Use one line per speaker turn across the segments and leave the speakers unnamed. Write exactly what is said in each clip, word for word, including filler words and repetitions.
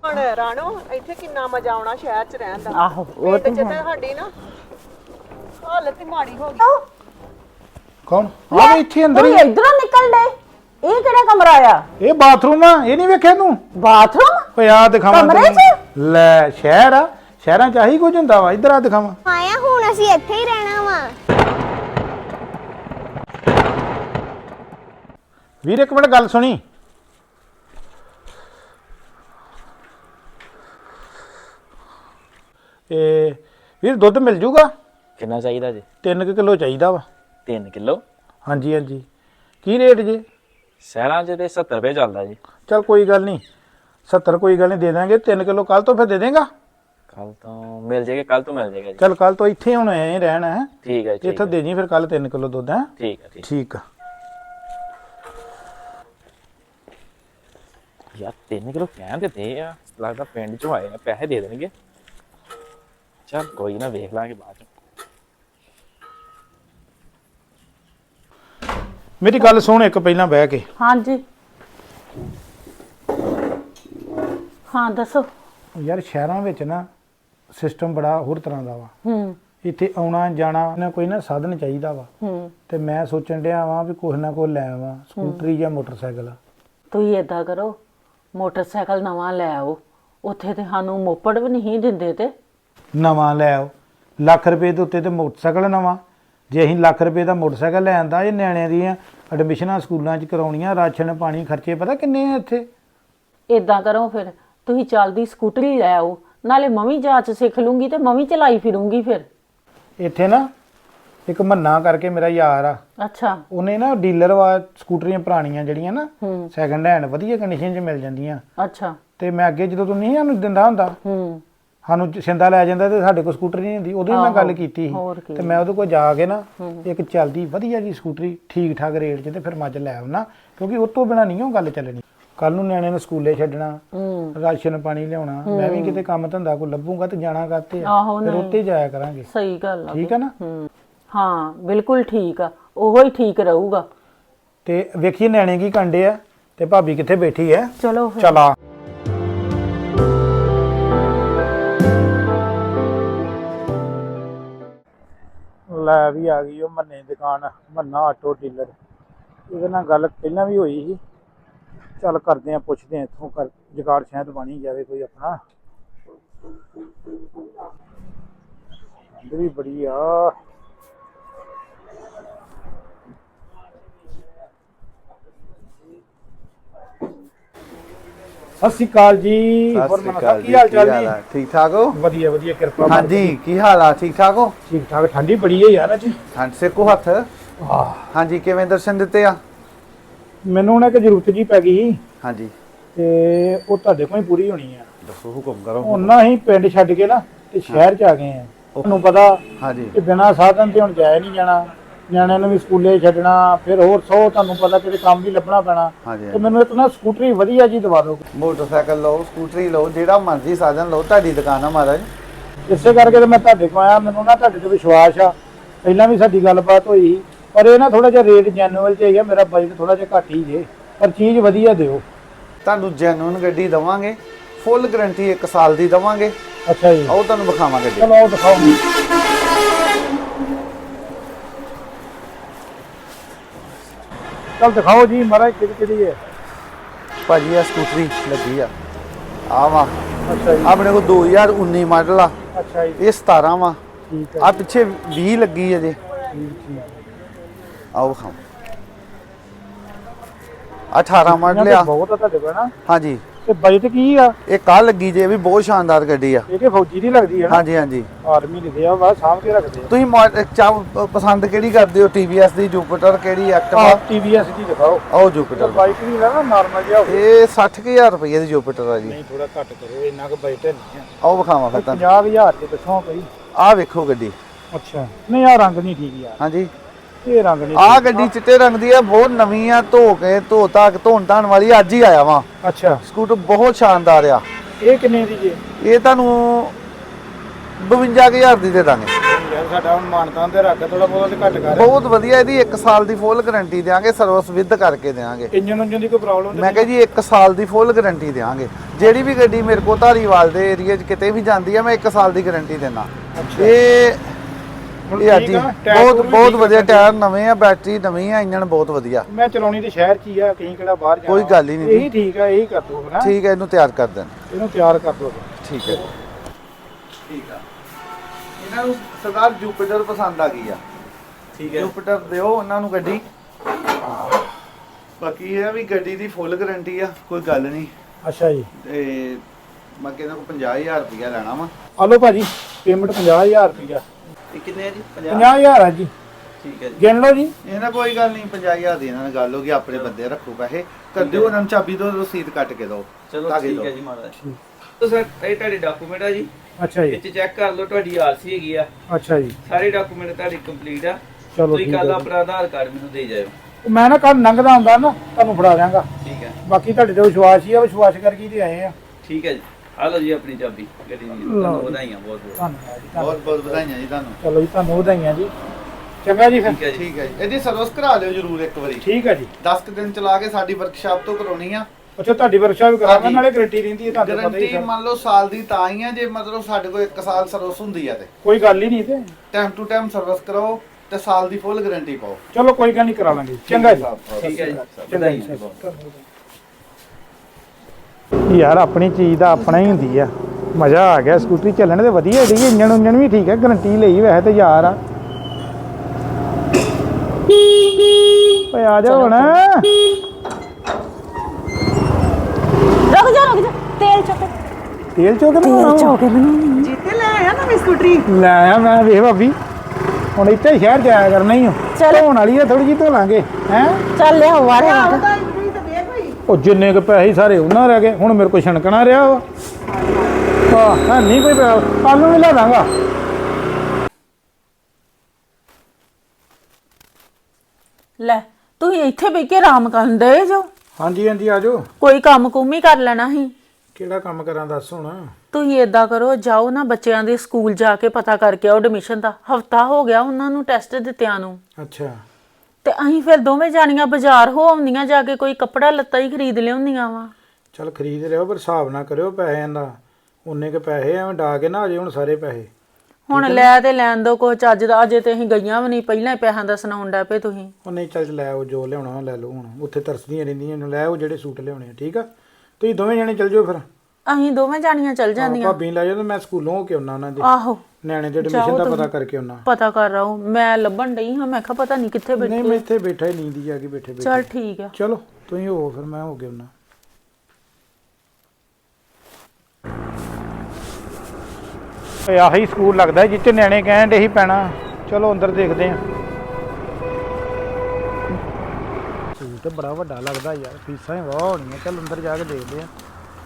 ਹੁਣ ਰਾਣੋ ਇੱਥੇ ਕਿੰਨਾ ਮਜ਼ਾ ਆਉਣਾ ਸ਼ਹਿਰ 'ਚ ਰਹਿਣ ਦਾ।
ਆਹੋ ਉਹ
ਤੇ ਜਿੱਥੇ ਸਾਡੀ ਨਾ ਹਾਲਤ ਹੀ ਮਾੜੀ ਹੋ ਗਈ।
ਕੌਣ ਆ ਇੱਥੇ ਅੰਦਰ ਹੀ
ਇਧਰੋਂ ਨਿਕਲ ਡੇ। ਇਹ ਕਿਹੜਾ ਕਮਰਾ ਆ?
ਇਹ ਬਾਥਰੂਮ ਆ। ਇਹ ਨਹੀਂ ਵੇਖਿਆ ਤੂੰ?
ਬਾਥਰੂਮ?
ਓਏ ਆ ਦਿਖਾਵਾਂ
ਕਮਰੇ 'ਚ?
ਲੈ ਸ਼ਹਿਰ ਆ, ਸ਼ਹਿਰਾਂ 'ਚ ਆਹੀ ਕੁਝ ਹੁੰਦਾ ਵਾ। ਇੱਧਰ ਆ ਦਿਖਾਵਾਂ।
ਆਇਆ ਹੁਣ ਅਸੀਂ ਇੱਥੇ ਹੀ ਰਹਿਣਾ ਵਾ।
ਵੀਰ ਇੱਕ ਮਿੰਟ ਗੱਲ ਸੁਣੀ। ਇਹ ਵੀਰ ਦੁੱਧ ਮਿਲ ਜੂਗਾ?
ਕਿੰਨਾ ਚਾਹੀਦਾ ਜੀ?
ਤਿੰਨ ਕਿਲੋ ਚਾਹੀਦਾ ਵਾ।
ਤਿੰਨ ਕਿਲੋ?
ਹਾਂਜੀ ਹਾਂਜੀ। ਕੀ ਰੇਟ ਜੇ?
ਸ਼ਹਿਰਾਂ 'ਚ ਤੇ ਸੱਤਰ ਰੁਪਏ ਚੱਲਦਾ ਜੀ।
ਚਲ ਕੋਈ ਗੱਲ ਨਹੀਂ, ਸੱਤਰ ਕੋਈ ਗੱਲ ਨਹੀਂ, ਦੇ ਦਾਂਗੇ। ਤਿੰਨ ਕਿਲੋ ਕੱਲ ਤੋਂ ਫਿਰ ਦੇ ਦੇਗਾ?
ਕੱਲ ਤੋਂ ਮਿਲ ਜਾਏਗਾ, ਕੱਲ ਤੋਂ ਮਿਲ ਜਾਏਗਾ ਜੀ।
ਚਲ ਕੱਲ ਤੋਂ ਇੱਥੇ ਹੁਣ ਐ ਰਹਿਣਾ ਹੈ।
ਠੀਕ ਹੈ ਜੀ।
ਇੱਥੇ ਦੇ ਜੀ ਫਿਰ ਕੱਲ ਤਿੰਨ ਕਿਲੋ ਦੁੱਧ ਹੈ।
ਠੀਕ ਹੈ।
ਠੀਕ ਆ
ਯਾਰ ਤਿੰਨ ਕਿਲੋ ਕਹਿਣ ਤੇ ਦੇ ਆ, ਲੱਗਦਾ ਪਿੰਡ 'ਚੋਂ ਆਏ ਆ, ਪੈਸੇ ਦੇ ਦੇਣਗੇ। ਚਲ ਕੋਈ ਨਾ, ਵੇਖ ਲਾਂਗੇ ਬਾਅਦ 'ਚ।
ਮੇਰੀ ਗੱਲ ਸੁਣ ਇੱਕ ਪਹਿਲਾਂ ਬਹਿ ਕੇ।
ਹਾਂਜੀ ਹਾਂ ਦੱਸੋ।
ਯਾਰ ਸ਼ਹਿਰਾਂ ਵਿੱਚ ਨਾ ਸਿਸਟਮ ਬੜਾ ਹੋਰ ਤਰ੍ਹਾਂ ਦਾ ਵਾ।
ਹੂੰ
ਇੱਥੇ ਆਉਣਾ ਜਾਣਾ ਨਾ ਕੋਈ ਨਾ ਸਾਧਨ ਚਾਹੀਦਾ ਵਾ।
ਹੂੰ
ਤੇ ਮੈਂ ਸੋਚਣ ਡਿਆ ਵਾਂ ਵੀ ਕੁਛ ਨਾ ਕੁਛ ਲੈ ਆਵਾਂ, ਸਕੂਟਰੀ ਜਾਂ ਮੋਟਰਸਾਈਕਲ।
ਤੁਸੀਂ ਏਦਾਂ ਕਰੋ, ਮੋਟਰਸਾਈਕਲ ਨਵਾਂ ਲੈ ਆਓ। ਉੱਥੇ ਤੇ ਸਾਨੂੰ ਮੋਪੜ ਵੀ ਨਹੀਂ ਦਿੰਦੇ। ਤੇ
ਨਵਾਂ ਲੈ ਆਓ। ਲੱਖ ਰੁਪਏ ਦੇ ਉੱਤੇ ਤੇ ਮੋਟਰਸਾਈਕਲ ਨਵਾਂ। ਜੇ ਅਸੀਂ ਲੱਖ ਰੁਪਏ ਦਾ ਮੋਟਰਸਾਈਕਲ ਲੈ ਆਂਦਾ, ਇਹ ਨਿਆਣਿਆਂ ਦੀਆਂ ਐਡਮਿਸ਼ਨਾਂ ਸਕੂਲਾਂ 'ਚ ਕਰਾਉਣੀਆਂ, ਰਾਸ਼ਨ ਪਾਣੀ ਖਰਚੇ ਪਤਾ ਕਿੰਨੇ ਆ ਇੱਥੇ।
ਏਦਾਂ ਕਰੋ ਫਿਰ, ਤੁਸੀਂ ਚੱਲਦੀ ਸਕੂਟਰੀ ਲੈ ਆਓ, ਨਾਲੇ ਮੈਂ ਵੀ ਜਾਂਚ ਸਿੱਖ ਲੂੰਗੀ ਤੇ ਮੈਂ ਵੀ ਚਲਾਈ ਫਿਰੂੰਗੀ। ਫਿਰ
ਇੱਥੇ ਨਾ ਇੱਕ ਮੰਨਾ ਕਰਕੇ ਮੇਰਾ ਯਾਰ ਆ,
ਅੱਛਾ
ਉਹਨੇ ਨਾ ਡੀਲਰ ਵਾ ਸਕੂਟਰੀਆਂ ਪੁਰਾਣੀਆਂ ਜਿਹੜੀਆਂ ਨਾ
ਹੂੰ
ਸੈਕੰਡ ਹੈਂਡ ਵਧੀਆ ਕੰਡੀਸ਼ਨ 'ਚ ਮਿਲ ਜਾਂਦੀਆਂ।
ਅੱਛਾ
ਤੇ ਮੈਂ ਅੱਗੇ ਜਦੋਂ ਤੂੰ ਨਹੀਂ ਸਾਨੂੰ ਦਿੰਦਾ ਹੁੰਦਾ,
ਹੂੰ
ਸਾਨੂੰ ਸਿੰਦਾ ਲੈ ਜਾਂਦਾ ਤੇ ਸਾਡੇ ਕੋਲ ਸਕੂਟਰ ਨਹੀਂ ਹੁੰਦੀ, ਉਦੋਂ ਹੀ ਮੈਂ ਗੱਲ ਕੀਤੀ
ਹੋਰ
ਸੀ।
ਕੀ।
ਤੇ ਮੈਂ ਉਹਦੇ ਕੋਲ ਜਾ ਕੇ ਨਾ ਇੱਕ ਚੱਲਦੀ ਵਧੀਆ ਜੀ ਸਕੂਟਰੀ ਠੀਕ ਠਾਕ ਰੇਟ 'ਚ ਤੇ ਫਿਰ ਮੱਝ ਲੈ ਆਉਣਾ, ਕਿਉਂਕਿ ਉਹ ਤੋਂ ਬਿਨਾਂ ਨਹੀਂ ਉਹ ਗੱਲ ਚੱਲਣੀ। ਕੱਲ ਨੂੰ ਨਿਆਣੇ ਨੂੰ ਸਕੂਲੇ ਛੱਡਣਾ,
ਹੂੰ
ਰਾਸ਼ਨ ਪਾਣੀ ਲਿਆਉਣਾ, ਮੈਂ ਵੀ ਕਿਤੇ ਕੰਮ ਧੰਦਾ ਕੋਈ ਲੱਭੂਗਾ ਤੇ ਜਾਣਾ ਕਰਤੇ ਆ,
ਆਹੋ
ਫਿਰ
ਨਹੀਂ।
ਉੱਤੇ ਜਾਇਆ ਕਰਾਂਗੇ।
ਸਹੀ ਗੱਲ ਆ।
ਠੀਕ ਹੈ ਨਾ?
ਹੂੰ ਹਾਂ ਬਿਲਕੁਲ ਠੀਕ ਆ, ਉਹੋ ਹੀ ਠੀਕ ਰਹੂਗਾ।
ਤੇ ਵੇਖੀਏ ਨਿਆਣੇ ਕੀ ਕੰਡੇ ਆ ਤੇ ਭਾਬੀ ਕਿੱਥੇ ਬੈਠੀ ਹੈ।
ਚਲੋ ਫਿਰ।
ਚਲਾ ਲੈ ਵੀ ਆ ਗਈ ਉਹ ਮੰਨੇ ਦੀ ਦੁਕਾਨ, ਮੰਨਾ ਆਟੋ ਡੀਲਰ। ਇਹਦੇ ਨਾਲ ਗੱਲ ਪਹਿਲਾਂ ਵੀ ਹੋਈ ਸੀ। ਚੱਲ ਕਰਦੇ ਆ, ਪੁੱਛਦੇ ਆ ਇੱਥੋਂ ਕਰ ਜੁਗਾੜ ਸ਼ਾਇਦ ਬਣੀ ਜਾਵੇ ਕੋਈ ਆਪਣਾ। ਠੰਡ ਵੀ ਬੜੀ ਆ। ਸਤਿ ਸ਼੍ਰੀ ਅਕਾਲ ਜੀ। ਹੋਰ ਮਨਾ ਸਾਹਿਬ ਕੀ ਹਾਲ ਚਾਲ ਜੀ?
ਠੀਕ ਠਾਕ ਹੋ?
ਵਧੀਆ ਵਧੀਆ ਕਿਰਪਾ।
ਹਾਂਜੀ ਕੀ ਹਾਲ ਆ? ਠੀਕ ਠਾਕ ਹੋ?
ਠੀਕ ਠਾਕ। ਠੰਡੀ ਬੜੀ ਹੈ ਯਾਰ ਅੱਜ।
ਠੰਡ ਸੇ ਕੋ ਹੱਥ।
ਆਹ
ਹਾਂਜੀ ਕਿਵੇਂ ਦਰਸ਼ਨ ਦਿੱਤੇ ਆ?
ਮੈਨੂੰ ਹੁਣ ਇੱਕ ਜ਼ਰੂਰਤ ਜੀ ਪੈ ਗਈ
ਹਾਂਜੀ
ਤੇ ਉਹ ਤੁਹਾਡੇ ਕੋਲ ਹੀ ਪੂਰੀ ਹੋਣੀ ਆ।
ਦੱਸੋ ਹੁਕਮ ਕਰੋ।
ਉਹਨਾਂ ਹੀ ਪਿੰਡ ਛੱਡ ਕੇ ਨਾ ਤੇ ਸ਼ਹਿਰ ਚ ਆ ਗਏ ਆ। ਤੁਹਾਨੂੰ ਪਤਾ
ਹਾਂਜੀ
ਕਿ ਬਿਨਾਂ ਸਾਧਨ ਤੇ ਹੁਣ ਜਾਇਆ ਨਹੀਂ ਜਾਣਾ, ਨਿਆਣਿਆਂ ਨੂੰ ਵੀ ਸਕੂਲੇ ਛੱਡਣਾ, ਫਿਰ ਹੋਰ ਸੌ ਤੁਹਾਨੂੰ ਪਤਾ ਕਿਤੇ ਕੰਮ ਵੀ ਲੱਭਣਾ ਪੈਣਾ।
ਹਾਂਜੀ
ਤੇ ਮੈਨੂੰ ਇੱਕ ਨਾ ਸਕੂਟਰੀ ਵਧੀਆ ਜੀ ਦਵਾ ਦਿਓ।
ਮੋਟਰਸਾਈਕਲ ਲਓ, ਸਕੂਟਰੀ ਲਓ, ਜਿਹੜਾ ਮਰਜ਼ੀ ਸਾਧਨ ਲਓ, ਤੁਹਾਡੀ ਦੁਕਾਨ ਆ ਮਹਾਰਾਜ।
ਇਸੇ ਕਰਕੇ ਤੇ ਮੈਂ ਤੁਹਾਡੇ ਕੋਲ ਆਇਆ। ਮੈਨੂੰ ਨਾ ਤੁਹਾਡੇ ਤੇ ਵਿਸ਼ਵਾਸ ਆ, ਪਹਿਲਾਂ ਵੀ ਸਾਡੀ ਗੱਲਬਾਤ ਹੋਈ ਸੀ, ਪਰ ਇਹ ਨਾ ਥੋੜਾ ਜਿਹਾ ਰੇਟ ਜੈਨੂਅਲ ਚ ਹੈਗਾ। ਮੇਰਾ ਬਜਟ ਥੋੜਾ ਜਿਹਾ ਘੱਟ ਹੀ ਜੇ, ਪਰ ਚੀਜ਼ ਵਧੀਆ ਦਿਓ।
ਤੁਹਾਨੂੰ ਜੈਨੂਨ ਗੱਡੀ ਦਵਾਂਗੇ, ਫੁੱਲ ਗਾਰੰਟੀ ਇੱਕ ਸਾਲ ਦੀ ਦਵਾਂਗੇ।
ਅੱਛਾ ਜੀ,
ਆਓ ਤੁਹਾਨੂੰ ਵਿਖਾਵਾਂਗੇ ਗੱਡੀ।
ਚਲੋ ਉਹ ਦਿਖਾਓ। ਚਲ ਦਿਖਾਓ ਜੀ ਮਹਾਰਾਜ ਕਿਹੜੀ ਕਿਹੜੀ ਹੈ।
ਭਾਜੀ ਆ ਸਕੂਟਰੀ ਲੱਗੀ ਆ, ਆ ਵਾ
ਅੱਛਾ ਜੀ,
ਆਪਣੇ ਕੋਲ ਦੋ ਹਜ਼ਾਰ ਉੱਨੀ ਮਾਡਲ ਆ,
ਅੱਛਾ ਜੀ,
ਇਹ ਸਤਾਰਾਂ ਵਾ।
ਠੀਕ ਹੈ
ਆ ਪਿੱਛੇ ਵੀਹ ਲੱਗੀ ਹੈ ਜੇ।
ਜੀ, ਠੀਕ।
ਆਓ ਵਿਖਾਓ। ਅਠਾਰਾਂ ਮਾਡਲ ਆ।
ਬਹੁਤ ਆ ਤੁਹਾਡੇ ਕੋਲ ਨਾ।
ਹਾਂਜੀ
ਤੇ ਬਜਟ ਕੀ ਆ?
ਇਹ ਕੱਲ ਲੱਗੀ ਜੇ, ਵੀ ਬਹੁਤ ਸ਼ਾਨਦਾਰ ਗੱਡੀ ਆ।
ਇਹ ਕਿ ਫੌਜੀ ਦੀ ਲੱਗਦੀ ਹੈ ਨਾ?
ਹਾਂਜੀ ਹਾਂਜੀ।
ਆਰਮੀ ਲਿਖਦੇ ਆ, ਬਸ ਸਾਂਭ ਕੇ ਰੱਖਦੇ ਆ।
ਤੁਸੀਂ ਮਾ- ਚਾਹ ਪਸੰਦ ਕਿਹੜੀ ਕਰਦੇ ਹੋ? ਟੀਵੀਐਸ ਦੀ, ਜੁਪੀਟਰ, ਕਿਹੜੀ
ਆਹ
ਐਕਟਿਵਾ?
ਟੀਵੀਐਸ ਦੀ ਦਿਖਾਓ।
ਆਓ ਜੁਪੀਟਰ।
ਬਾਈਕ ਵੀ ਨਾ ਨਾਰਮਲ ਜਿਹਾ ਹੋਵੇ।
ਇਹ ਸੱਠ ਕੁ ਹਜ਼ਾਰ ਰੁਪਏ ਦੀ ਜੁਪੀਟਰ ਆ ਜੀ।
ਨਹੀਂ ਥੋੜਾ ਘੱਟ ਕਰੋ, ਇੰਨਾ ਕੁ ਬਜਟ ਨਹੀਂ ਹੈ।
ਆਓ ਵਿਖਾਵਾਂ ਫਿਰ ਤੁਹਾਨੂੰ।
ਪੰਜਾਹ ਹਜ਼ਾਰ ਤੇ ਦੱਸੋ ਕੋਈ।
ਆਹ ਵੇਖੋ ਗੱਡੀ।
ਅੱਛਾ, ਨਹੀਂ ਆ ਰੰਗ ਨਹੀਂ ਠੀਕ ਯਾਰ,
ਹਾਂਜੀ
ਇਹ ਰੰਗ ਨਹੀਂ।
ਆਹ ਗੱਡੀ ਚਿੱਟੇ ਰੰਗ ਦੀ ਆ, ਬਹੁਤ ਨਵੀਂ ਆ, ਧੋ ਕੇ ਧੋ ਧਾਕ ਧੋਣ ਧਾਣ ਵਾਲੀ, ਅੱਜ ਹੀ ਆਇਆ ਵਾ।
ਅੱਛਾ,
ਸਕੂਟਰ ਬਹੁਤ ਸ਼ਾਨਦਾਰ ਆ।
ਇਹ ਕਿੰਨੇ ਦੀ ਜੇ?
ਇਹ ਤੁਹਾਨੂੰ ਬਵੰਜਾ ਕੁ ਹਜ਼ਾਰ ਦੀ ਦੇ ਦਾਂਗੇ।
ਯਾਰ ਸਾਡਾ ਹੁਣ ਮਾਨਤਾਂ ਤੇ ਰੱਖ, ਥੋੜਾ ਬਹੁਤਾ ਤੇ ਘੱਟ ਕਰ।
ਬਹੁਤ ਵਧੀਆ, ਇਹਦੀ ਇੱਕ ਸਾਲ ਦੀ ਫੁੱਲ ਗਾਰੰਟੀ ਦੇਵਾਂਗੇ, ਸਰਵਿਸ ਵਿਦ ਕਰਕੇ ਦੇਵਾਂਗੇ।
ਇੰਜਨ ਉਂਜਨ ਦੀ ਕੋਈ ਪ੍ਰੋਬਲਮ
ਮੈਂ ਕਿਹਾ ਜੀ ਇੱਕ ਸਾਲ ਦੀ ਫੁੱਲ ਗਾਰੰਟੀ ਦੇਵਾਂਗੇ। ਜਿਹੜੀ ਵੀ ਗੱਡੀ ਮੇਰੇ ਕੋਲ ਧਾਰੀਵਾਲ ਦੇ ਏਰੀਆ 'ਚ ਕਿਤੇ ਵੀ ਜਾਂਦੀ ਆ ਮੈਂ ਇੱਕ ਸਾਲ ਦੀ ਗਾਰੰਟੀ ਦਿੰਦਾ। ਇਹ ਇਹ ਅੱਜ ਹੀ ਬਹੁਤ ਬਹੁਤ ਵਧੀਆ ਟਾਇਰ ਨਵੇਂ ਆ, ਬੈਟਰੀ ਨਵੀਂ ਆ, ਇੰਜਣ ਬਹੁਤ ਵਧੀਆ।
ਮੈਂ ਚਲਾਉਣੀ ਤੇ ਸ਼ਹਿਰ 'ਚ ਹੀ ਆ, ਕहीं ਕਿਹੜਾ ਬਾਹਰ ਜਾਣਾ।
ਕੋਈ ਗੱਲ ਹੀ ਨਹੀਂ
ਇਹੀ ਠੀਕ ਆ, ਇਹੀ ਕਰ ਦੋ ਨਾ।
ਠੀਕ ਹੈ, ਇਹਨੂੰ ਤਿਆਰ ਕਰ ਦੇਣ।
ਇਹਨੂੰ ਤਿਆਰ ਕਰ ਦੋ।
ਠੀਕ ਹੈ ਠੀਕ ਆ। ਇਹਨਾਂ ਨੂੰ ਸਰਦਾਰ ਜੁਪੀਟਰ ਪਸੰਦ ਆ ਗਈ ਆ।
ਠੀਕ ਹੈ,
ਜੁਪੀਟਰ ਦਿਓ ਉਹਨਾਂ ਨੂੰ ਗੱਡੀ। ਬਾਕੀ ਇਹ ਆ ਵੀ ਗੱਡੀ ਦੀ ਫੁੱਲ ਗਾਰੰਟੀ ਆ, ਕੋਈ ਗੱਲ ਨਹੀਂ।
ਅੱਛਾ ਜੀ,
ਤੇ ਮੈਂ ਕਹਿੰਦਾ ਕੋਈ ਪੰਜਾਹ ਹਜ਼ਾਰ ਰੁਪਇਆ ਲੈਣਾ ਵਾ।
ਆ ਲਓ ਭਾਜੀ, ਪੇਮੈਂਟ ਪੰਜਾਹ ਹਜ਼ਾਰ ਰੁਪਇਆ।
ਇਹ ਕਿੰਨੇ ਆ ਜੀ?
ਪੰਜਾਹ ਹਜ਼ਾਰ ਆ ਜੀ।
ਠੀਕ ਹੈ ਜੀ,
ਗਿਣ ਲਓ ਜੀ।
ਇਹ ਨਾ ਕੋਈ ਗੱਲ ਨਹੀਂ, ਪੰਜਾਹ ਹਜ਼ਾਰ ਦੀ ਇਹਨਾਂ ਨਾਲ ਗੱਲ ਹੋ ਗਈ। ਆਪਣੇ ਬੰਦੇ ਰੱਖੋ ਪੈਸੇ, ਕਰ ਦਿਓ ਉਹਨਾਂ ਨੂੰ, ਚਾਬੀ ਦਿਓ, ਰਸੀਦ ਕੱਟ ਕੇ ਦਿਓ।
ਚਲੋ ਠੀਕ ਹੈ ਜੀ ਮਹਾਰਾਜ। ਤੋ ਸਰ ਇਹ ਤੁਹਾਡੇ ਡਾਕੂਮੈਂਟ ਆ ਜੀ,
ਅੱਛਾ ਜੀ,
ਇਹ ਚ ਚੈੱਕ ਕਰ ਲਓ। ਤੁਹਾਡੀ ਆਰਸੀ ਹੈਗੀ ਆ,
ਅੱਛਾ ਜੀ,
ਸਾਰੇ ਡਾਕੂਮੈਂਟ ਤੁਹਾਡੇ ਕੰਪਲੀਟ ਆ।
ਚਲੋ
ਤੁਸੀਂ
ਠੀਕ
ਕੱਲ
ਹੈ।
ਆਪਣਾ ਆਧਾਰ ਕਾਰਡ ਮੈਨੂੰ ਦੇ ਜਾਇਓ।
ਮੈਂ ਨਾ ਕੱਲ ਲੰਘਦਾ ਹੁੰਦਾ ਨਾ, ਤੁਹਾਨੂੰ ਫੜਾ ਦਿਆਂਗਾ।
ਠੀਕ ਹੈ,
ਬਾਕੀ ਤੁਹਾਡੇ ਤੇ ਵਿਸ਼ਵਾਸ ਹੀ ਆ, ਵਿਸ਼ਵਾਸ ਕਰਕੇ ਹੀ ਤੇ ਆਏ ਆ।
ਠੀਕ ਹੈ ਜੀ। ਆ ਲਓ ਜੀ ਆਪਣੀ ਚਾਬੀ ਗੱਡੀ ਦੀ। ਤੁਹਾਨੂੰ ਵਧਾਈਆਂ ਬਹੁਤ ਬਹੁਤ।
ਧੰਨਵਾਦ ਜੀ,
ਬਹੁਤ ਬਹੁਤ ਵਧਾਈਆਂ ਜੀ ਤੁਹਾਨੂੰ।
ਚਲੋ ਜੀ, ਤੁਹਾਨੂੰ ਵਧਾਈਆਂ ਜੀ। ਚੰਗਾ ਜੀ ਫਿਰ।
ਠੀਕ ਹੈ ਜੀ।
ਠੀਕ ਹੈ ਜੀ, ਇਹਦੀ ਸਰਵਿਸ ਕਰਾ ਲਿਓ ਜਰੂਰ ਇੱਕ ਵਾਰੀ।
ਠੀਕ ਹੈ ਜੀ।
ਦਸ ਕੁ ਦਿਨ ਚਲਾ ਕੇ ਸਾਡੀ ਵਰਕਸ਼ਾਪ ਤੋਂ ਕਰਾਉਣੀ ਆ।
ਅੱਛਾ, ਤੁਹਾਡੀ ਵਰਕਸ਼ਾਪ ਵੀ ਕਰਾਂਗਾ,
ਹਾਂਜੀ।
ਨਾਲੇ ਗਰੰਟੀ ਰਹਿੰਦੀ ਹੈ ਤੁਹਾਨੂੰ ਪਤਾ ਹੀ
ਗਾਰੰਟੀ
ਹੈ।
ਮੰਨ ਲਓ ਸਾਲ ਦੀ ਤਾਂ ਹੀ ਆ ਜੇ ਮਤਲਬ ਸਾਡੇ ਕੋਲ ਇੱਕ ਸਾਲ ਸਰਵਿਸ ਹੁੰਦੀ ਆ ਤੇ
ਕੋਈ ਗੱਲ ਹੀ ਨਹੀਂ ਤੇ।
ਟਾਈਮ ਟੂ ਟਾਈਮ ਸਰਵਿਸ ਕਰੋ ਤੇ ਸਾਲ ਦੀ ਫੁੱਲ ਗਾਰੰਟੀ ਪਾਓ।
ਚਲੋ ਕੋਈ ਗੱਲ ਨਹੀਂ, ਕਰਾ ਲਾਂਗੇ। ਚੰਗਾ ਜੀ,
ਠੀਕ ਹੈ ਜੀ,
ਚੰਗਾ ਜੀ।
ਵਧਾਈਆਂ ਬਹੁਤ।
ਯਾਰ ਆਪਣੀ ਚੀਜ਼ ਦਾ ਆਪਣਾ ਹੀ ਹੁੰਦੀ ਆ। ਮਜ਼ਾ ਆ ਗਿਆ, ਸਕੂਟਰੀ ਚੱਲਣ ਤੇ ਵਧੀਆ ਰਹੀ। ਇੰਜਣ ਉਂਜਣ ਵੀ ਠੀਕ ਹੈ, ਗਾਰੰਟੀ ਲਈ ਵੈਸੇ ਤੇ ਯਾਰ ਆ। ਓਏ ਆ ਜਾ ਹੁਣ।
ਰੁਕ ਜਾ ਰੁਕ ਜਾ, ਤੇਲ ਚੁੱਕ
ਤੇਲ ਚੋਕ
ਤੇਲ ਚੁੱਕ ਮੈਨੂੰ।
ਜੀਤੇ ਲੈ ਆਇਆ ਨਵੀਂ ਸਕੂਟਰੀ।
ਲੈ ਆ ਮੈਂ ਵੇਖ ਭਾਬੀ, ਹੁਣ ਇੱਥੇ ਸ਼ਹਿਰ ਜਾਇਆ ਕਰਨਾ ਹੀ।
ਚਲੋ।
ਧੋਣ ਵਾਲੀ ਆ, ਥੋੜੀ ਜਿਹੀ ਧੋ ਲਾਂਗੇ। ਹੈ
ਚੱਲ ਲਿਆ ਵਾਰੇ
ਉਹਦਾ ਇੰਜਰੀ ਤੇ ਦੇਖ ਭਾਈ।
ਉਹ ਜਿੰਨੇ ਕੁ ਪੈਸੇ ਸਾਰੇ ਉਹਨਾਂ ਰਹਿ ਗਏ, ਹੁਣ ਮੇਰੇ ਕੋਲ ਛਣਕਣਾ ਰਿਹਾ ਵਾ। ਹਾਂ ਹੈ ਨਹੀਂ ਕੋਈ ਪੈਸਾ, ਆਲੂ ਵੀ ਲੈ ਦਾਂਗਾ।
ਲੈ ਤੁਸੀਂ ਇੱਥੇ ਬੈ ਕੇ ਆਰਾਮ ਕਰਨ ਦੇ ਜੋ।
ਹਾਂਜੀ ਹਾਂਜੀ, ਆ ਜਾਓ।
ਕੋਈ ਕੰਮ ਕੁੰਮ ਹੀ ਕਰ ਲੈਣਾ ਸੀ।
ਕਿਹੜਾ ਕੰਮ ਕਰਾਂ ਦੱਸ ਹੁਣ।
ਤੁਸੀਂ ਏਦਾਂ ਕਰੋ, ਜਾਓ ਨਾ ਬੱਚਿਆਂ ਦੇ ਸਕੂਲ ਜਾ ਕੇ ਪਤਾ ਕਰਕੇ ਆਓ ਐਡਮਿਸ਼ਨ ਦਾ। ਹਫਤਾ ਹੋ ਗਿਆ ਉਹਨਾਂ ਨੂੰ ਟੈਸਟ ਦਿੱਤਿਆਂ ਨੂੰ।
ਅੱਛਾ,
ਤੇ ਅਸੀਂ ਫਿਰ ਦੋਵੇਂ ਜਾਣੀਆਂ ਬਾਜ਼ਾਰ ਹੋ ਆਉਂਦੀਆਂ, ਜਾ ਕੇ ਕੋਈ ਕੱਪੜਾ ਲੱਤਾ ਹੀ ਖਰੀਦ ਲਿਆਉਂਦੀਆਂ ਵਾ।
ਚਲ ਖਰੀਦ ਲਿਓ, ਪਰ ਹਿਸਾਬ ਨਾ ਕਰਿਓ ਪੈਸਿਆਂ ਦਾ। ਉਨੇ ਕੇ ਪੈਸੇ ਐਵੇਂ ਡਾ ਕੇ ਨਾ ਅਜੇ ਹੁਣ ਸਾਰੇ ਪੈਸੇ।
ਹੁਣ ਲੈ ਤੇ ਲੈਣ ਦੋ ਕੁਛ ਚੱਜ ਦਾ। ਅਜੇ ਤੇ ਅਸੀਂ ਗਈਆਂ ਵੀ ਨਹੀਂ, ਪਹਿਲਾਂ ਹੀ ਪੈਸਿਆਂ ਦਾ ਸੁਣਾਉਣ ਡੈ ਪਏ ਤੁਸੀਂ।
ਉਹ ਨਹੀਂ, ਚੱਲ ਲੈ ਆਓ, ਜੋ ਲਿਆਉਣਾ ਲੈ ਲਓ। ਹੁਣ ਉੱਥੇ ਤਰਸਦੀਆਂ ਰਹਿੰਦੀਆਂ, ਲੈ ਆਓ ਜਿਹੜੇ ਸੂਟ ਲਿਆਉਣੇ ਆ। ਠੀਕ ਆ, ਤੁਸੀਂ ਦੋਵੇਂ ਜਣੇ ਚੱਲ ਜਾਓ ਫਿਰ।
ਅਸੀਂ ਦੋਵੇਂ ਜਾਣੀਆਂ ਚੱਲ ਜਾਂਦੀਆਂ।
ਭਾਬੀ ਨੂੰ ਲੈ ਜਾਓ ਤੇ ਮੈਂ ਸਕੂਲੋਂ ਹੋ ਕੇ ਆਉਣਾ ਉਹਨਾਂ ਦੇ।
ਆਹੋ,
ਨਿਆਣੇ ਦੇ ਐਡਮਿਸ਼ਨ ਦਾ ਪਤਾ ਕਰਕੇ ਆਉਣਾ।
ਪਤਾ ਕਰ ਰਹਾ ਹੂੰ ਮੈਂ, ਲੱਭਣ ਡਈ ਹਾਂ। ਮੈਂ ਕਿਹਾ ਪਤਾ ਨਹੀਂ ਕਿੱਥੇ
ਨਹੀਂ,
ਬੈਠੇ।
ਮੈਂ ਇੱਥੇ ਬੈਠਾ ਹੀ, ਨੀਂਦ ਹੀ ਆ ਕੇ ਬੈਠੇ ਬੈਠੇ।
ਚੱਲ ਠੀਕ ਆ।
ਚਲੋ ਤੁਸੀਂ ਹੋ, ਫਿਰ ਮੈਂ ਹੋ ਕੇ ਆਉਣਾ। ਓਏ ਆਹੀ ਸਕੂਲ ਲੱਗਦਾ ਜਿੱਥੇ ਨਿਆਣੇ ਕਹਿਣ ਡੇ ਹੀ ਪੈਣਾ। ਚਲੋ ਅੰਦਰ ਦੇਖਦੇ ਆ। ਸਕੂਲ ਤੇ ਬੜਾ ਵੱਡਾ ਲੱਗਦਾ ਯਾਰ, ਫੀਸਾਂ ਹੀ ਵਾਹ ਹੋਣੀਆਂ। ਚਲ ਅੰਦਰ ਜਾ ਕੇ ਦੇਖਦੇ ਆ।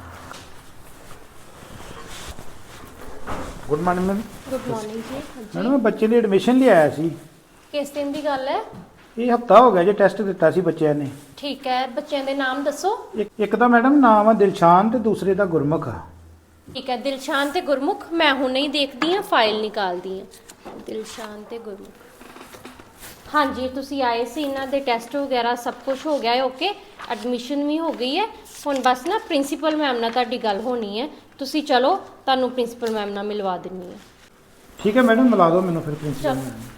Good morning ma'am.
Good morning ਜੀ।
ਮੈਡਮ ਮੈਂ ਬੱਚੇ ਦੀ ਐਡਮਿਸ਼ਨ ਲਈ ਆਇਆ ਸੀ।
ਕਿਸ ਦਿਨ ਦੀ ਗੱਲ ਹੈ?
ਇਹ ਹਫਤਾ ਹੋ ਗਿਆ ਜੇ ਟੈਸਟ ਦਿੱਤਾ ਸੀ ਬੱਚਿਆਂ ਨੇ।
ਠੀਕ ਹੈ, ਬੱਚਿਆਂ ਦੇ ਨਾਮ ਦੱਸੋ।
ਇੱਕ ਇੱਕ ਦਾ ਮੈਡਮ ਨਾਮ ਆ ਦਿਲਸ਼ਾਨ ਤੇ ਦੂਸਰੇ ਦਾ ਗੁਰਮੁਖ ਆ।
ਠੀਕ ਹੈ, ਦਿਲਸ਼ਾਨ ਤੇ ਗੁਰਮੁਖ। ਮੈਂ ਹੁਣੇ ਹੀ ਦੇਖਦੀ ਹਾਂ, ਫਾਈਲ ਨਿਕਾਲਦੀ ਹਾਂ। ਦਿਲਸ਼ਾਨ ਤੇ ਗੁਰਮੁਖ। ਹਾਂਜੀ, ਤੁਸੀਂ ਆਏ ਸੀ, ਇਹਨਾਂ ਦੇ ਟੈਸਟ ਵਗੈਰਾ ਸਭ ਕੁਝ ਹੋ ਗਿਆ ਹੈ। ਓਕੇ, ਐਡਮਿਸ਼ਨ ਵੀ ਹੋ ਗਈ ਹੈ। ਹੁਣ ਬਸ ਨਾ ਪ੍ਰਿੰਸੀਪਲ ਮੈਮ ਨਾਲ ਤੁਹਾਡੀ ਗੱਲ ਹੋਣੀ ਹੈ। ਤੁਸੀਂ ਚਲੋ, ਤੁਹਾਨੂੰ ਪ੍ਰਿੰਸੀਪਲ ਮੈਮ ਨਾਲ ਮਿਲਵਾ ਦਿੰਨੀ ਹਾਂ।
ਠੀਕ ਹੈ ਮੈਡਮ, ਮਿਲਾ ਦਿਓ ਮੈਨੂੰ ਫਿਰ ਪ੍ਰਿੰਸੀਪਲ
ਚਲੋ।
ਮੈਮ।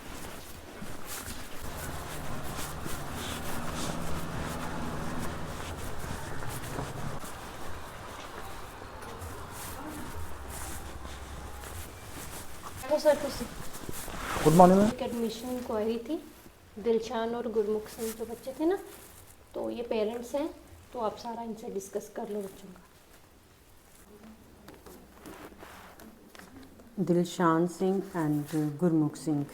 सर ਤੁਸੀਂ
गुड मॉर्निंग मैम।
एक एडमिशन इंक्वायरी थी, दिलशान और गुरमुख सिंह जो बच्चे थे ना, तो ये पेरेंट्स हैं, तो आप सारा इनसे डिस्कस कर लो बच्चों का।
दिलशान सिंह एंड गुरमुख सिंह।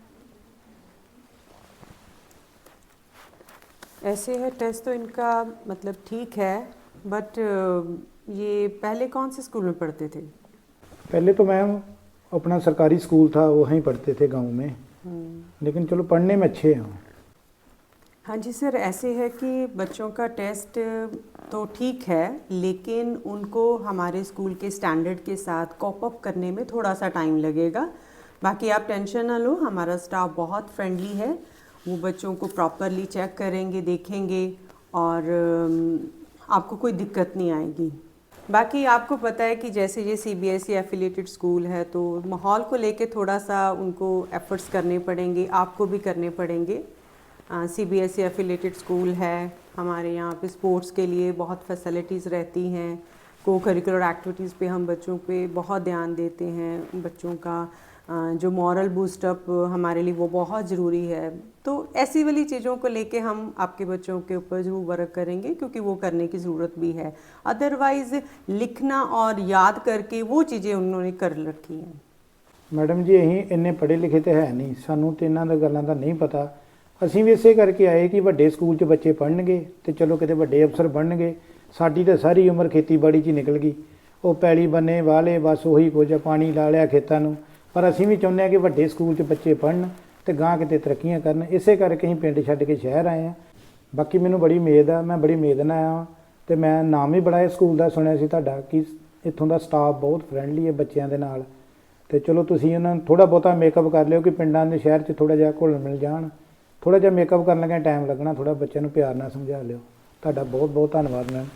ऐसे है, टेस्ट तो इनका मतलब ठीक है, बट ये पहले कौन से स्कूल में पढ़ते थे?
पहले तो मैम अपना सरकारी स्कूल था, वहीं पढ़ते थे गांव में, लेकिन चलो पढ़ने में अच्छे हैं।
हाँ जी सर, ऐसे है कि बच्चों का टेस्ट तो ठीक है, लेकिन उनको हमारे स्कूल के स्टैंडर्ड के साथ कॉप अप करने में थोड़ा सा टाइम लगेगा। बाकी आप टेंशन ना लो, हमारा स्टाफ बहुत फ्रेंडली है। वो बच्चों को प्रॉपरली चेक करेंगे, देखेंगे, और आपको कोई दिक्कत नहीं आएगी। बाकी आपको पता है कि जैसे ये सीबीएसई एफिलिएटेड स्कूल है तो माहौल को लेके थोड़ा सा उनको एफर्ट्स करने पड़ेंगे, आपको भी करने पड़ेंगे। सीबीएसई एफिलिएटेड स्कूल है, हमारे यहाँ पे स्पोर्ट्स के लिए बहुत फैसिलिटीज़ रहती हैं, को करिकुलर एक्टिविटीज़ पे हम बच्चों पे बहुत ध्यान देते हैं। बच्चों का जो मॉरल बूस्टअप हमारे लिए वो बहुत ज़रूरी है। तो ऐसी वाली चीज़ों को लेके हम आपके बच्चों के ऊपर ज़रूर वर्क करेंगे, क्योंकि वो करने की ज़रूरत भी है। अदरवाइज़ लिखना और याद करके वो चीज़ें उन्होंने कर रखी हैं।
मैडम जी अहीं इन्ने पढ़े लिखे तो है नहीं, सानू तो इन्हां दा गल्लां दा नहीं पता। ਅਸੀਂ ਵੀ ਇਸੇ ਕਰਕੇ ਆਏ ਕਿ ਵੱਡੇ ਸਕੂਲ 'ਚ ਬੱਚੇ ਪੜ੍ਹਨਗੇ ਤੇ ਚਲੋ ਕਿਤੇ ਵੱਡੇ ਅਫਸਰ ਬਣਨਗੇ। ਸਾਡੀ ਤਾਂ ਸਾਰੀ ਉਮਰ ਖੇਤੀਬਾੜੀ 'ਚ ਹੀ ਨਿਕਲ ਗਈ, ਉਹ ਪੈਲੀ ਬੰਨੇ ਵਾਲੇ ਬਸ ਉਹੀ ਕੁਝ ਪਾਣੀ ਲਾ ਲਿਆ ਖੇਤਾਂ ਨੂੰ। ਪਰ ਅਸੀਂ ਵੀ ਚਾਹੁੰਦੇ ਹਾਂ ਕਿ ਵੱਡੇ ਸਕੂਲ 'ਚ ਬੱਚੇ ਪੜ੍ਹਨ ਤੇ ਗਾਂ ਕਿਤੇ ਤਰੱਕੀਆਂ ਕਰਨ। ਇਸੇ ਕਰਕੇ ਅਸੀਂ ਪਿੰਡ ਛੱਡ ਕੇ ਸ਼ਹਿਰ ਆਏ ਹਾਂ। ਬਾਕੀ ਮੈਨੂੰ ਬੜੀ ਉਮੀਦ ਆ, ਮੈਂ ਬੜੀ ਉਮੀਦ ਨਾਲ ਆਇਆ ਤੇ ਮੈਂ ਨਾਮ ਵੀ ਬੜਾ ਇਸ ਸਕੂਲ ਦਾ ਸੁਣਿਆ ਸੀ ਤੁਹਾਡਾ ਕਿ ਇੱਥੋਂ ਦਾ ਸਟਾਫ ਬਹੁਤ ਫਰੈਂਡਲੀ ਹੈ ਬੱਚਿਆਂ ਦੇ ਨਾਲ। ਤੇ ਚਲੋ ਤੁਸੀਂ ਉਹਨਾਂ ਨੂੰ ਥੋੜ੍ਹਾ ਬਹੁਤਾ ਮੇਕਅਪ ਕਰ ਲਿਓ ਕਿ ਪਿੰਡਾਂ ਦੇ ਸ਼ਹਿਰ 'ਚ ਥੋੜ੍ਹਾ ਜਿਹਾ ਘੁਲ ਮਿਲ ਜਾਣ। ਥੋੜ੍ਹਾ ਜਿਹਾ ਮੇਕਅਪ ਕਰਨ ਲੱਗਿਆ ਟਾਈਮ ਲੱਗਣਾ, ਥੋੜ੍ਹਾ ਬੱਚਿਆਂ ਨੂੰ ਪਿਆਰ ਨਾਲ ਸਮਝਾ ਲਿਓ। ਤੁਹਾਡਾ ਬਹੁਤ ਬਹੁਤ ਧੰਨਵਾਦ ਮੈਮ।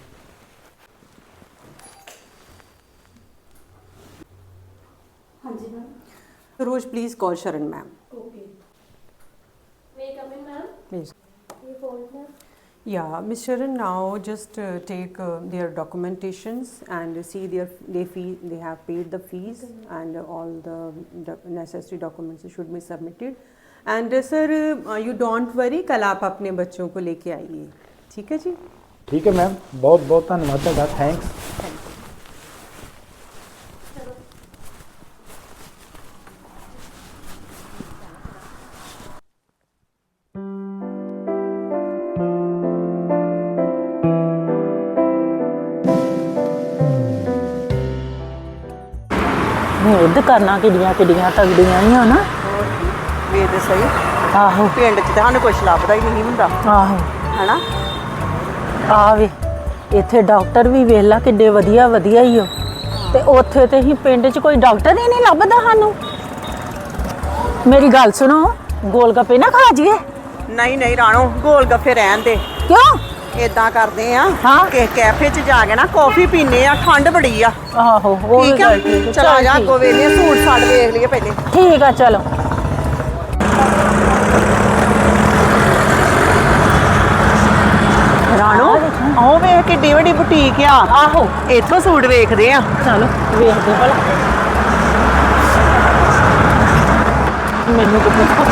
ਹਾਂਜੀ ma'am.
Rose please call Sharan ma'am.
Okay, may I come in ma'am?
Please.
ये phone ma'am.
Yeah, Miss Sharan, now just uh, take uh, their documentations and see their they fee they have paid the fees and uh, all the, the necessary documents should be submitted. And uh, sir, uh, you don't worry, कल आप अपने बच्चों को लेके आइए, ठीक है जी?
ठीक है मैम, बहुत बहुत धन्यवाद ਤੁਹਾਡਾ, थैंक्स।
ਮੁੱਦ ਕਰਨਾ ਕਿੱਡੀਆਂ ਕਿੱਡੀਆਂ ਤਗੜੀਆਂ ਹੀ ਆ ਨਾ।
ਵੇ ਤੇ ਸਹੀ
ਆਹੋ
ਪਿੰਡ 'ਚ ਤਾਂ ਸਾਨੂੰ ਕੁਛ ਲੱਭਦਾ ਹੀ ਨਹੀਂ ਹੁੰਦਾ
ਆਹੋ
ਹੈਨਾ।
ਆ ਵੇ ਇੱਥੇ ਡਾਕਟਰ ਵੀ ਵੇਖ ਲਾ ਕਿੱਡੇ ਵਧੀਆ ਵਧੀਆ ਹੀ ਹੋ, ਤੇ ਉੱਥੇ ਤੇ ਹੀ ਪਿੰਡ 'ਚ ਕੋਈ ਡਾਕਟਰ ਹੀ ਨਹੀਂ ਲੱਭਦਾ ਸਾਨੂੰ। ਮੇਰੀ ਗੱਲ ਸੁਣੋ, ਗੋਲ ਗੱਪੇ ਨਾ ਖਾ ਜੀਏ।
ਨਹੀਂ ਨਹੀਂ ਰਾਣੋ, ਗੋਲ ਗੱਫੇ ਰਹਿਣ ਦੇ।
ਕਿਉਂ?
ਇਦਾਂ ਕਰਦੇ ਆ
ਹਾਂ।
ਕਿ ਕੈਫੇ 'ਚ ਜਾ ਕੇ ਨਾ ਕੌਫੀ ਪੀਨੇ ਆ, ਠੰਡ ਬੜੀ ਆ।
ਆਹੋ ਉਹ
ਠੀਕ ਆ,
ਗੱਲ ਠੀਕ ਆ।
ਚਲਾ ਜਾ ਅੱਗੋਂ ਵੇਲੇ ਸੂਟ ਸਾੜ ਵੇਖ ਲਈਏ ਪਹਿਲੇ।
ਠੀਕ ਆ ਚਲੋ।
ਰਾਣੋ ਉਹ ਵੇਖ ਕਿੱਡੀ ਵੱਡੀ ਬੁਟੀਕ ਆ।
ਆਹੋ
ਇੱਥੋਂ ਸੂਟ ਵੇਖਦੇ ਆ।
ਚਲੋ ਵੇਖਦੇ ਭਲਾ। ਮੈਨੂੰ ਤਾਂ ਪੁੱਛੋ।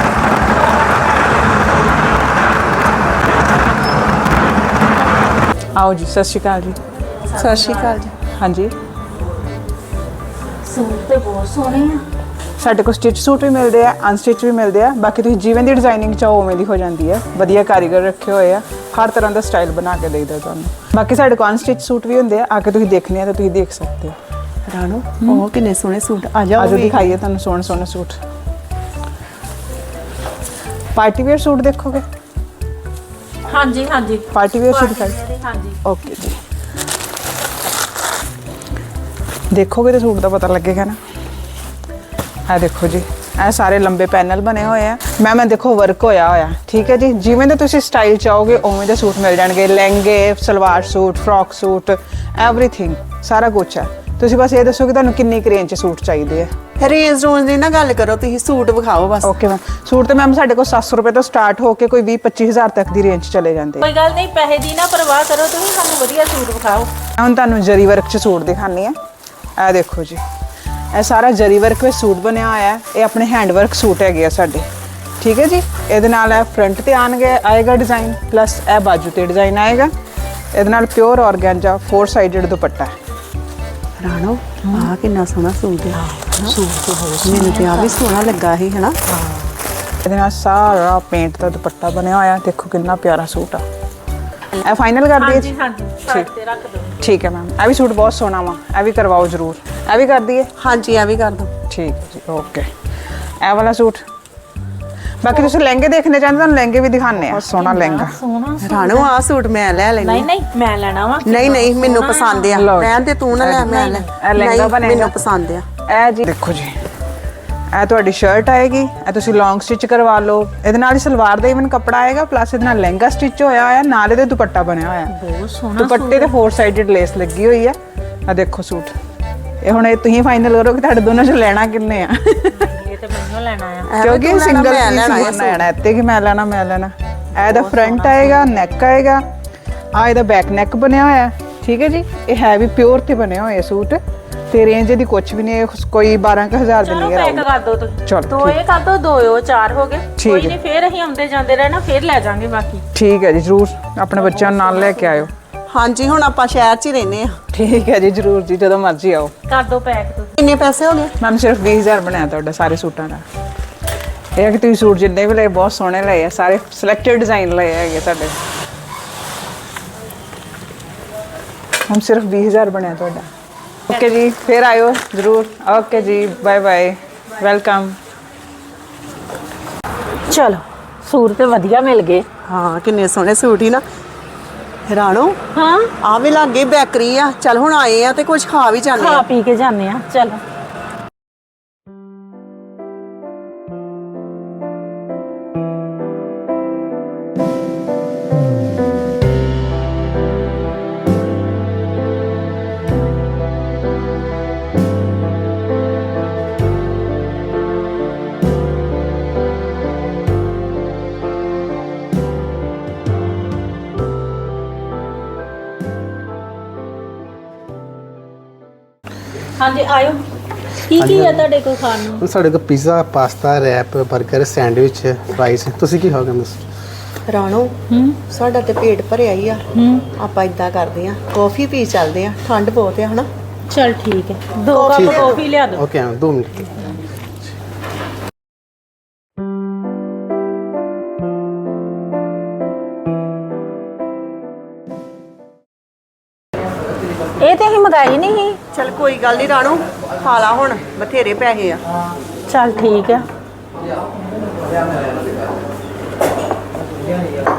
आओ जी, सत श्री अकाल जी।
ਸਤਿ ਸ਼੍ਰੀ ਅਕਾਲ ਜੀ।
हाँ जी,
ਸੂਟ ਤੇ ਬਹੁਤ ਸੋਹਣੇ ਆ।
ਸਾਡੇ ਕੋਲ ਸਟਿਚ ਸੂਟ ਵੀ ਮਿਲਦੇ ਆ, ਅਨਸਟਿਚ ਵੀ ਮਿਲਦੇ ਆ। ਬਾਕੀ ਤੁਸੀਂ ਜਿਵੇਂ ਦੀ ਡਿਜ਼ਾਈਨਿੰਗ ਚਾਹੋ ਉਵੇਂ ਦੀ ਹੋ ਜਾਂਦੀ ਹੈ। ਵਧੀਆ ਕਾਰੀਗਰ ਰੱਖੇ ਹੋਏ ਆ, ਹਰ ਤਰ੍ਹਾਂ ਦਾ ਸਟਾਈਲ ਬਣਾ ਕੇ ਦੇਈਦਾ ਤੁਹਾਨੂੰ। ਬਾਕੀ ਸਾਡੇ ਕੋਲ ਅਨਸਟਿਚ ਸੂਟ ਵੀ ਹੁੰਦੇ ਆ, ਆ ਕੇ ਤੁਸੀਂ ਦੇਖਣੇ ਆ ਤਾਂ ਤੁਸੀਂ ਦੇਖ ਸਕਦੇ ਹੋ।
ਰਾਣੋ ਉਹ ਕਿੰਨੇ ਸੋਹਣੇ ਸੂਟ ਆ। ਜਾ
ਆਜੋ ਦਿਖਾਈਏ ਤੁਹਾਨੂੰ ਸੋਹਣੇ ਸੋਹਣੇ ਸੂਟ। ਪਾਰਟੀ ਵੇਅਰ ਸੂਟ ਦੇਖੋਗੇ?
ਹਾਂਜੀ ਹਾਂਜੀ
ਪਾਰਟੀ ਵੇਅਰ ਸੂਟ ਦਿਖਾਈ।
ਹਾਂਜੀ
ਓਕੇ ਜੀ, ਦੇਖੋਗੇ ਤਾਂ ਸੂਟ ਦਾ ਪਤਾ ਲੱਗੇਗਾ ਨਾ। ਇਹ ਦੇਖੋ ਜੀ, ਇਹ ਸਾਰੇ ਲੰਬੇ ਪੈਨਲ ਬਣੇ ਹੋਏ ਆ। ਮੈਂ ਮੈਂ ਦੇਖੋ ਵਰਕ ਹੋਇਆ ਹੋਇਆ, ਠੀਕ ਹੈ ਜੀ। ਜਿਵੇਂ ਦੇ ਤੁਸੀਂ ਸਟਾਈਲ ਚਾਹੋਗੇ ਉਵੇਂ ਦੇ ਸੂਟ ਮਿਲ ਜਾਣਗੇ। ਲਹਿੰਗੇ, salwar suit, frock suit, everything ਸਾਰਾ ਕੁਛ ਹੈ। ਤੁਸੀਂ ਬਸ ਇਹ ਦੱਸੋ ਕਿ ਤੁਹਾਨੂੰ ਕਿੰਨੀ ਕੁ ਰੇਂਜ 'ਚ ਸੂਟ ਚਾਹੀਦੇ ਆ।
ਰੇਂਜ ਰੋਂਜ ਦੀ ਨਾ ਗੱਲ ਕਰੋ, ਤੁਸੀਂ ਸੂਟ ਵਿਖਾਓ ਬਸ।
ਓਕੇ ਮੈਮ, ਸੂਟ ਤੇ ਮੈਮ ਸਾਡੇ ਕੋਲ ਸੱਤ ਸੌ ਰੁਪਏ ਤੋਂ ਸਟਾਰਟ ਹੋ ਕੇ ਕੋਈ ਵੀਹ ਪੱਚੀ ਹਜ਼ਾਰ ਤੱਕ ਦੀ ਰੇਂਜ ਚਲੇ ਜਾਂਦੇ ਆ।
ਕੋਈ ਗੱਲ ਨਹੀਂ, ਪੈਸੇ ਦੀ ਨਾ ਪਰਵਾਹ ਕਰੋ, ਤੁਸੀਂ ਸਾਨੂੰ ਵਧੀਆ ਸੂਟ ਵਿਖਾਓ।
ਹੁਣ ਤੁਹਾਨੂੰ ਜਰੀ ਵਰਕ 'ਚ ਸੂਟ ਦਿਖਾਉਂਦੀ ਆ। ਇਹ ਦੇਖੋ ਜੀ, ਇਹ ਸਾਰਾ ਜਰੀ ਵਰਕ ਵਿੱਚ ਸੂਟ ਬਣਿਆ ਹੋਇਆ ਹੈ। ਇਹ ਆਪਣੇ ਹੈਂਡ ਵਰਕ ਸੂਟ ਹੈਗੇ ਆ ਸਾਡੇ, ਠੀਕ ਹੈ ਜੀ। ਇਹਦੇ ਨਾਲ ਇਹ ਫਰੰਟ ਤੇ ਆਣਗੇ ਆਏਗਾ ਡਿਜ਼ਾਈਨ, ਪਲੱਸ ਇਹ ਬਾਜੂ ਤੇ ਡਿਜ਼ਾਈਨ ਆਏਗਾ। ਇਹਦੇ ਨਾਲ pure organza four sided dupatta ਹੈ।
ਰਾਣੋ ਆਹ ਕਿੰਨਾ ਸੋਹਣਾ ਸੂਟ ਹੈ।
ਸੂਟ ਤੇ ਬਹੁਤ
ਮੈਨੂੰ ਤੇ ਆ ਵੀ ਸੋਹਣਾ ਲੱਗਾ ਸੀ ਹਨਾ।
ਇਹਦੇ ਨਾਲ ਸਾਰਾ ਪੇਂਟ ਦਾ ਦੁਪੱਟਾ ਬਣਿਆ ਹੋਇਆ, ਦੇਖੋ ਕਿੰਨਾ ਪਿਆਰਾ ਸੂਟ ਆ। ਇਹ ਫਾਈਨਲ ਕਰ ਦਈਏ ਜੀ?
ਹਾਂਜੀ ਸਾਈਡ ਤੇ ਰੱਖ ਦਿਓ।
ਠੀਕ ਹੈ ਮੈਮ, ਇਹ ਵੀ ਸੂਟ ਬਹੁਤ ਸੋਹਣਾ ਵਾ, ਇਹ ਵੀ ਕਰਵਾਓ ਜ਼ਰੂਰ। ਇਹ ਵੀ ਕਰ ਦਈਏ?
ਹਾਂਜੀ ਇਹ ਵੀ ਕਰ ਦੋ।
ਠੀਕ ਹੈ ਜੀ, ਓਕੇ। ਇਹ ਵਾਲਾ ਸੂਟ, ਬਾਕੀ ਤੁਸੀਂ ਲਹਿੰਗੇ ਦੇਖਣੇ ਚਾਹੁੰਦੇ ਤੁਹਾਨੂੰ ਲਹਿੰਗੇ ਵੀ ਦਿਖਾਣੇ ਆ। ਸੋਹਣਾ ਲਹਿੰਗਾ।
ਸੋਹਣਾ
ਰਾਣੋ ਆਹ ਸੂਟ ਮੈਂ ਲੈ ਲੈਣੀ।
ਨਹੀਂ ਨਹੀਂ ਮੈਂ ਲੈਣਾ ਵਾ।
ਨਹੀਂ ਨਹੀਂ ਮੈਨੂੰ ਪਸੰਦ ਆ।
ਲਓ।
ਮੈਂ ਤੇ ਤੂੰ ਨਾ ਲੈ, ਮੈਂ ਲੈ।
ਇਹ ਲਹਿੰਗਾ
ਨਹੀਂ,
ਬਣੇਗਾ।
ਮੈਨੂੰ ਪਸੰਦ ਆ।
ਇਹ ਜੀ ਦੇਖੋ ਜੀ, ਇਹ ਤੁਹਾਡੀ ਸ਼ਰਟ ਆਏਗੀ। ਇਹ ਤੁਸੀਂ ਲੌਂਗ ਸਟਿਚ ਕਰਵਾ ਲਓ। ਇਹਦੇ ਨਾਲ ਹੀ ਸਲਵਾਰ ਦਾ ਇਵਨ ਕੱਪੜਾ ਆਏਗਾ, ਪਲੱਸ ਇਹਦੇ ਨਾਲ ਲਹਿੰਗਾ ਸਟਿਚ ਹੋਇਆ ਹੋਇਆ, ਨਾਲ ਇਹਦੇ ਦੁਪੱਟਾ ਬਣਿਆ ਹੋਇਆ।
ਬਹੁਤ ਸੋਹਣਾ
ਦੁਪੱਟੇ ਤੇ ਫੋਰ ਸਾਈਡਡ ਲੇਸ ਲੱਗੀ ਹੋਈ ਹੈ। ਆ ਦੇਖੋ ਸੂਟ ਇਹ ਹੁਣ ਇਹ ਤੁਸੀਂ ਫਾਈਨਲ ਕਰੋ ਕਿ ਤੁਹਾਡੇ ਦੋਨਾਂ ਚੋਂ ਲੈਣਾ ਕਿੰਨੇ ਆ
ਇਹ ਤੇ ਮੈਨੂੰ ਲੈਣਾ ਆ
ਕਿਉਂਕਿ ਸਿੰਗਲ ਪੀਸ ਲੈਣਾ ਇੱਥੇ ਕਿ ਮੈਂ ਲੈਣਾ ਮੈਂ ਲੈਣਾ ਇਹਦਾ ਫਰੰਟ ਆਏਗਾ ਨੈਕ ਆਏਗਾ ਆ ਇਹਦਾ ਬੈਕ ਨੈਕ ਬਣਿਆ ਹੋਇਆ ਠੀਕ ਹੈ ਜੀ ਇਹ ਹੈ ਵੀ ਪਿਓਰ ਤੇ ਬਣਿਆ ਹੋਇਆ ਸੂਟ ਤੇ ਰੇਂਜ ਦੀ ਕੁਝ ਵੀ ਨਹੀਂ ਕੋਈ ਬਾਰਾਂ ਕੁ ਹਜ਼ਾਰ ਦੇ
ਚਲੋ
ਨਹੀਂ
ਪੈਕ ਕਰ ਦੋ ਤੁਸੀਂ
ਚਲੋ
ਦੋ ਇਹ ਕਰ ਦੋ ਦੋ ਉਹ ਚਾਰ ਹੋ ਗਏ
ਠੀਕ
ਕੋਈ
ਹੈ।
ਨਹੀਂ ਫੇਰ ਅਸੀਂ ਆਉਂਦੇ ਜਾਂਦੇ ਰਹਿਣਾ ਫੇਰ ਲੈ ਜਾਾਂਗੇ ਬਾਕੀ
ਠੀਕ ਹੈ ਜੀ ਜ਼ਰੂਰ ਆਪਣੇ ਬੱਚਿਆਂ ਨੂੰ ਨਾਲ ਲੈ ਕੇ ਆਇਓ
ਹਾਂਜੀ ਹੁਣ ਆਪਾਂ ਸ਼ਹਿਰ 'ਚ ਹੀ ਰਹਿੰਦੇ ਆ
ਠੀਕ ਹੈ ਜੀ ਜ਼ਰੂਰ ਜੀ ਜਦੋਂ ਮਰਜ਼ੀ ਆਓ
ਕਰ ਦੋ ਪੈਕ ਤੁਸੀਂ
ਕਿੰਨੇ ਪੈਸੇ ਹੋ ਗਏ
ਮੈਮ ਸਿਰਫ ਵੀਹ ਹਜ਼ਾਰ ਬਣਾਇਆ ਤੁਹਾਡਾ ਸਾਰੇ ਸੂਟਾਂ ਦਾ ਇਹ ਹੈ ਕਿ ਤੁਸੀਂ ਸੂਟ ਜਿੰਨੇ ਵੀ ਲਏ ਬਹੁਤ ਸੋਹਣੇ ਲਏ ਆ ਸਾਰੇ ਸਿਲੈਕਟਡ ਡਿਜ਼ਾਈਨ ਲਏ ਹੈਗੇ ਸਾਡੇ ਹਮ ਸਿਰਫ ਵੀਹ ਹਜ਼ਾਰ ਬਣਿਆ ਤੁਹਾਡਾ ਓਕੇ ਜੀ ਫਿਰ ਆਇਓ ਜ਼ਰੂਰ ਓਕੇ ਜੀ ਬਾਏ ਬਾਏ ਵੈਲਕਮ
ਚਲੋ ਸੂਟ ਤੇ ਵਧੀਆ ਮਿਲ ਗਏ
ਹਾਂ ਕਿੰਨੇ ਸੋਹਣੇ ਸੂਟ ਹੀ ਨਾ ਰਾਣੋ
ਹਾਂ
ਆ ਵੀ ਲੱਗੇ ਬੇਕਰੀ ਆ ਚੱਲ ਹੁਣ ਆਏ ਆ ਤੇ ਕੁਝ ਖਾ ਵੀ ਜਾਂਦੇ
ਖਾ
ਆ
ਪੀ ਕੇ ਜਾਂਦੇ ਆ ਚਲੋ ਹਾਂਜੀ ਆਇਓ ਕੀ ਕੀ ਹੈ ਤੁਹਾਡੇ ਕੋਲ ਖਾਣ ਨੂੰ
ਸਾਡੇ ਕੋਲ ਪੀਜ਼ਾ ਪਾਸਤਾ ਰੈਪ 버ਗਰ ਸੈਂਡਵਿਚ ਫਰਾਈਜ਼ ਤੁਸੀਂ ਕੀ ਖਾਓਗੇ ਮਿਸ
ਰਾਣੋ ਸਾਡਾ ਤੇ ਪੇਟ ਭਰਿਆ ਹੀ ਆ ਆਪਾਂ ਇਦਾਂ ਕਰਦੇ ਆ ਕਾਫੀ ਪੀ ਚੱਲਦੇ ਆ ਠੰਡ ਬਹੁਤ ਆ ਹਨਾ
ਚਲ ਠੀਕ ਹੈ ਦੋ ਕੱਪ ਕਾਫੀ ਲਿਆ ਦਿਓ
ਓਕੇ ਮੈਮ ਦੋ ਮਿੰਟ
ਇਹ ਤੇ ਅਸੀਂ ਮੰਗਾਈ ਨਹੀਂ ਸੀ
ਚੱਲ ਕੋਈ ਗੱਲ ਨਹੀਂ ਰਾਣੋ ਖਾ ਲਾ ਹੁਣ ਬਥੇਰੇ ਪੈਸੇ ਆ
ਚਲ ਠੀਕ ਆ